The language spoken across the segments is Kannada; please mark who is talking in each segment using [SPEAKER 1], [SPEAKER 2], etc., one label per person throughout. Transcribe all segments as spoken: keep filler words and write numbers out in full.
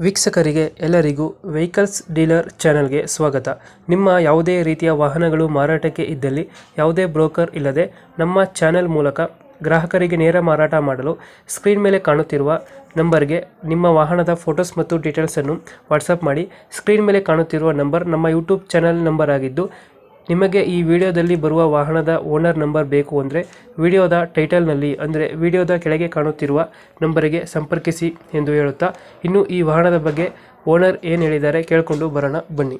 [SPEAKER 1] ವೀಕ್ಷಕರಿಗೆ ಎಲ್ಲರಿಗೂ ವೆಹಿಕಲ್ಸ್ ಡೀಲರ್ ಚಾನೆಲ್ಗೆ ಸ್ವಾಗತ. ನಿಮ್ಮ ಯಾವುದೇ ರೀತಿಯ ವಾಹನಗಳು ಮಾರಾಟಕ್ಕೆ ಇದ್ದಲ್ಲಿ ಯಾವುದೇ ಬ್ರೋಕರ್ ಇಲ್ಲದೆ ನಮ್ಮ ಚಾನೆಲ್ ಮೂಲಕ ಗ್ರಾಹಕರಿಗೆ ನೇರ ಮಾರಾಟ ಮಾಡಲು ಸ್ಕ್ರೀನ್ ಮೇಲೆ ಕಾಣುತ್ತಿರುವ ನಂಬರ್ಗೆ ನಿಮ್ಮ ವಾಹನದ ಫೋಟೋಸ್ ಮತ್ತು ಡೀಟೇಲ್ಸನ್ನು ವಾಟ್ಸಪ್ ಮಾಡಿ. ಸ್ಕ್ರೀನ್ ಮೇಲೆ ಕಾಣುತ್ತಿರುವ ನಂಬರ್ ನಮ್ಮ ಯೂಟ್ಯೂಬ್ ಚಾನೆಲ್ ನಂಬರ್ ಆಗಿದ್ದು, ನಿಮಗೆ ಈ ವಿಡಿಯೋದಲ್ಲಿ ಬರುವ ವಾಹನದ ಓನರ್ ನಂಬರ್ ಬೇಕು ಅಂದರೆ ವಿಡಿಯೋದ ಟೈಟಲ್ನಲ್ಲಿ ಅಂದರೆ ವಿಡಿಯೋದ ಕೆಳಗೆ ಕಾಣುತ್ತಿರುವ ನಂಬರಿಗೆ ಸಂಪರ್ಕಿಸಿ ಎಂದು ಹೇಳುತ್ತಾ, ಇನ್ನು ಈ ವಾಹನದ ಬಗ್ಗೆ ಓನರ್ ಏನು ಹೇಳಿದ್ದಾರೆ ಕೇಳಿಕೊಂಡು ಬರೋಣ ಬನ್ನಿ.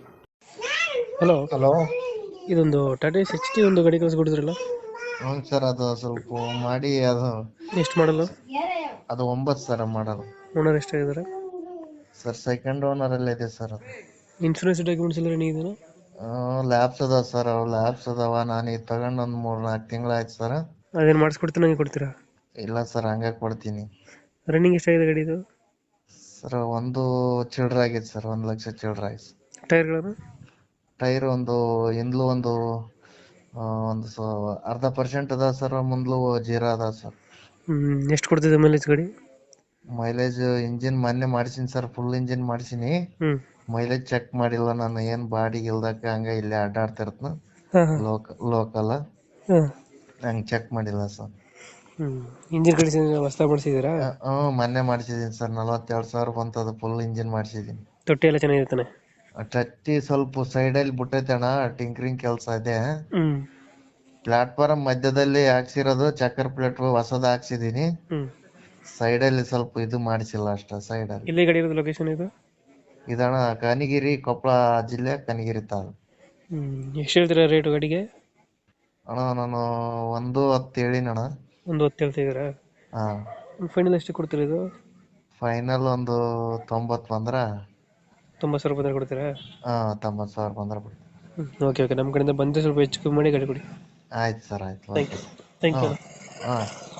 [SPEAKER 1] Hello,
[SPEAKER 2] hello.
[SPEAKER 1] ಇದೊಂದು ಟಾಟಾ ಎಸ್ ಎಚ್ ಟಿ ಒಂದು ಗಾಡಿ ಕಳಿಸ್ಕೊಡಿದ್ರಲ್ಲ,
[SPEAKER 2] ಹ್ಞೂ ಸರ್, ಅದು ಸ್ವಲ್ಪ ಮಾಡಿ ಅದು
[SPEAKER 1] ಎಷ್ಟು ಮಾಡಲು?
[SPEAKER 2] ಅದು ಒಂಬತ್ತು ಸರ್ ಮಾಡಲು.
[SPEAKER 1] ಓನರ್ ಎಷ್ಟಾಗಿದ್ದಾರೆ
[SPEAKER 2] ಸರ್ ಸೆಕೆಂಡ್ ಓನರ್ ಅಲ್ಲೇ ಇದೆ ಸರ್. ಅದು
[SPEAKER 1] ಇನ್ಶೂರೆನ್ಸ್ ಡಾಕ್ಯುಮೆಂಟ್ಸ್ ಎಲ್ಲ ರನ್ನಿಂಗ್ ಇದೆಯಾ?
[SPEAKER 2] ಲ್ಯಾಬ್ಸ್ ಅದಾವ ಸರ್, ಅವು ಲ್ಯಾಬ್ಸ್ ಅದಾವ. ನಾನು ಈಗ ತಗೊಂಡು ಒಂದು ಮೂರು ನಾಲ್ಕು ತಿಂಗಳಾಯ್ತು ಸರ್.
[SPEAKER 1] ಅದೇನು ಮಾಡಿಸ್ಕೊಡ್ತೀನಿ ಹಂಗೆ ಕೊಡ್ತೀರಾ?
[SPEAKER 2] ಇಲ್ಲ ಸರ್, ಹಂಗೆ ಕೊಡ್ತೀನಿ.
[SPEAKER 1] ರನ್ನಿಂಗ್ ಎಷ್ಟಾಗಿದೆ ಗಾಡಿ ಇದು?
[SPEAKER 2] ಸರ್ ಒಂದು ಚಿಲ್ಡ್ರ ಆಗೈತೆ ಸರ್, ಒಂದು ಲಕ್ಷ ಚಿಲ್ಡ್ರ ಆಯ್ತು.
[SPEAKER 1] ಟೈರ್ಗಳನ್ನು?
[SPEAKER 2] ಟೈರ್ ಒಂದು ಹಿಂದ್ಲು ಒಂದು ಆ, ಒಂದು ಸ ಅರ್ಧ ಪರ್ಸೆಂಟ್ ಅದ ಸರ್, ಮುಂದ್ಲು ಜೀರಾ ಅದ ಸರ್.
[SPEAKER 1] ಹ್ಞೂ ಎಷ್ಟು ಕೊಡ್ತಿದೆ ಮೈಲೇಜ್ ಗಾಡಿ?
[SPEAKER 2] ಮೈಲೇಜ್ ಇಂಜಿನ್ ಮೊನ್ನೆ ಮಾಡಿಸಿನಿ ಸರ್, ಫುಲ್ ಇಂಜಿನ್ ಮಾಡಿಸಿನಿ.
[SPEAKER 1] ಹ್ಞೂ
[SPEAKER 2] ಮೈಲೇಜ್ ಚೆಕ್ ಮಾಡಿಲ್ಲ ನಾನು, ಏನ್ ಬಾಡಿಗೆ ಇಲ್ದಕ್ಕೆ ಹಂಗ ಇಲ್ಲೇ ಅಡ್ಡಾಡ್ತಿರ್ತನ
[SPEAKER 1] ಹಾಂ ಹಾಂ
[SPEAKER 2] ಲೋಕ ಲೋಕಲ್
[SPEAKER 1] ಹಾಂ
[SPEAKER 2] ಹಂಗ ಚೆಕ್ ಮಾಡಿಲ್ಲ ಸರ್.
[SPEAKER 1] ಹ್ಞೂ ಇಂಜಿನ್ ಕಂಡೀಷನ್ ಹೊಸ್ದಾಗಿ ಮಾಡಿಸಿದ್ದೀರಾ?
[SPEAKER 2] ಹ್ಞೂ ಮೊನ್ನೆ ಮಾಡಿಸಿದೀನಿ ಸರ್, ನಲವತ್ತೆರಡು ಸಾವಿರ ಬಂತದ, ಫುಲ್ ಇಂಜಿನ್ ಮಾಡಿಸಿದೀನಿ.
[SPEAKER 1] ತೊಟ್ಟಿ ಎಲ್ಲ ಚೆನ್ನಾಗಿರ್ತಾನೆ?
[SPEAKER 2] ಟಟ್ಟಿ ಸ್ವಲ್ಪ ಸೈಡಲ್ಲಿ ಬಿಟ್ಟೈತೆ ಅಣ್ಣ, ಟಿಂಕ್ರಿಂಗ್ ಕೆಲಸ ಇದೆ.
[SPEAKER 1] ಹ್ಞೂ
[SPEAKER 2] ಪ್ಲಾಟ್ಫಾರ್ಮ್ ಮಧ್ಯದಲ್ಲಿ ಹಾಕ್ಸಿರೋದು, ಚಕ್ಕರ್ ಪ್ಲೇಟ್ ಹೊಸದ ಹಾಕ್ಸಿದೀನಿ.
[SPEAKER 1] ಹ್ಞೂ
[SPEAKER 2] ಸೈಡಲ್ಲಿ ಸ್ವಲ್ಪ ಇದು ಮಾಡಿಸಿಲ್ಲ ಅಷ್ಟ. ಸೈಡಲ್ಲಿ
[SPEAKER 1] ಎಲ್ಲಿ ಗಾಡಿ ಇರೋದು ಲೊಕೇಶನ್ ಇದು?
[SPEAKER 2] ಇದಣ್ಣ ಕನಗಿರಿ, ಕೊಪ್ಪಳ ಜಿಲ್ಲೆ, ಕನಗಿರಿ ತಾಲೂಕು.
[SPEAKER 1] ಹ್ಞೂ ಎಷ್ಟು ಹೇಳ್ತೀರಾ ರೇಟು ಗಾಡಿಗೆ?
[SPEAKER 2] ಅಣ್ಣ ನಾನು ಒಂದು ಹತ್ತು ಹೇಳಿನಣ್ಣ.
[SPEAKER 1] ಒಂದು ಹೊತ್ತು ಹೇಳ್ತಿದ್ದೀರಾ?
[SPEAKER 2] ಹಾ,
[SPEAKER 1] ಫೈನಲ್ ಎಷ್ಟು ಕೊಡ್ತೀರಾ ಇದು?
[SPEAKER 2] ಫೈನಲ್ ಒಂದು ತೊಂಬತ್ತು ಬಂದ್ರ,
[SPEAKER 1] ತೊಂಬತ್ತು ಸಾವಿರ ರೂಪಾಯಿ ಕೊಡ್ತೀರಾ?
[SPEAKER 2] ಹಾ ತೊಂಬತ್ತು ಸಾವಿರ ಬಂದ್ರ ಬಿಡಿ.
[SPEAKER 1] ಹ್ಞೂ ಓಕೆ ಓಕೆ, ನಮ್ಮ ಕಡೆಯಿಂದ ಬಂದರೆ ಸ್ವಲ್ಪ ಹೆಚ್ಚು ಕಮ್ಮಿ ಮಾಡಿ ಗಾಡಿ ಕೊಡಿ.
[SPEAKER 2] ಆಯ್ತು ಸರ್, ಆಯ್ತು,
[SPEAKER 1] thank
[SPEAKER 2] okay.
[SPEAKER 1] You thank you
[SPEAKER 2] ಹಾಂ ಹಾಂ